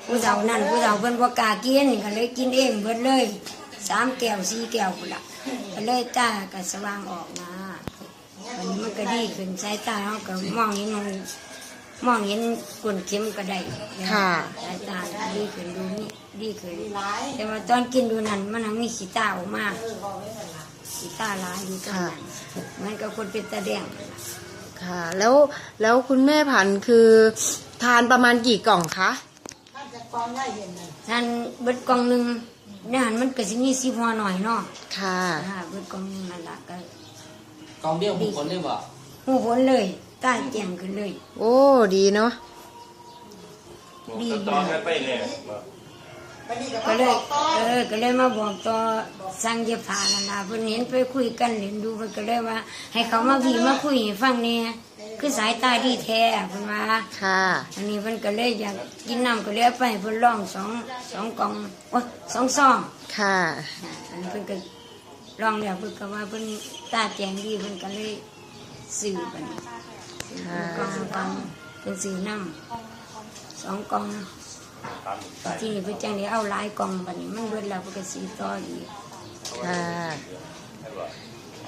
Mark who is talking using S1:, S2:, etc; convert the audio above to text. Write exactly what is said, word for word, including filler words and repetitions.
S1: ผู้เฒ่านั่นผู้เฒ่าเพิ่นบ่กล้ากินก็เลยกินเองเบิดเลยสามแก้วสี่แก้วพุ่นล่ะก็เลยตาก็สว่างออกมามันมันก็ดีขึ้นสายตาเฮาก็มองเห็นมันมองเห็นก้นเข็มก็ได้ค่ะสายตาดีขึ้นดูนี่ดีขึ้นแต่ว่าตอนกินดูนั่นมันมีขี้ตาออกมาขี้ตาหลายอยู่ตรงนั้นมันก็คนเป็นตาแดง
S2: ค่ะแล้วแล้วคุณแม่ผันคือทานประมาณกี่กล่องคะ
S1: ท่านเบิดกล่องหนึ่งเนี่ยหันมันก็สิมีสิบห่อหน่อยเนาะ
S2: ค่ะ
S1: เบิดกล่องหนึ่งนั่นละก็
S3: กล่องเดียวหูผลเลยบ่
S1: หูผลเลยตาแจ่มขึ้นเลย
S2: โอ้ดีเนาะ
S1: ดีต่อไปเลยก็เลยเออก็เลยมาบอกต่อสั่งเย็บผ้านั่นล่ะเพิ่นเห็นไปคุยกันเห็นดูเพิ่นก็เลยว่าให้เขามาพี่มาคุยให้ฟังเนี่ยคือสายตาดีแท้เพิ่นว่า
S2: ค่ะ
S1: อันนี้เพิ่นก็เลยอยากกินน้ำก็เลยไปเพิ่นลองสองสองกล่องโอ้สองซอง
S2: ค่ะ
S1: อันเพิ่นก็ลองแล้วเพิ่นก็ว่าเพิ่นตาแจ่มดีเพิ่นก็เลยซื้อไปกล่องกล่องเพิ่นซื้อน้ำสองกล่องที่นี่เพิ่นจังได้เอาหลายกล่องบัดนี้มันเบิดแล้วเพิ่นก็ซื้อต่ออีก
S2: ค่ะ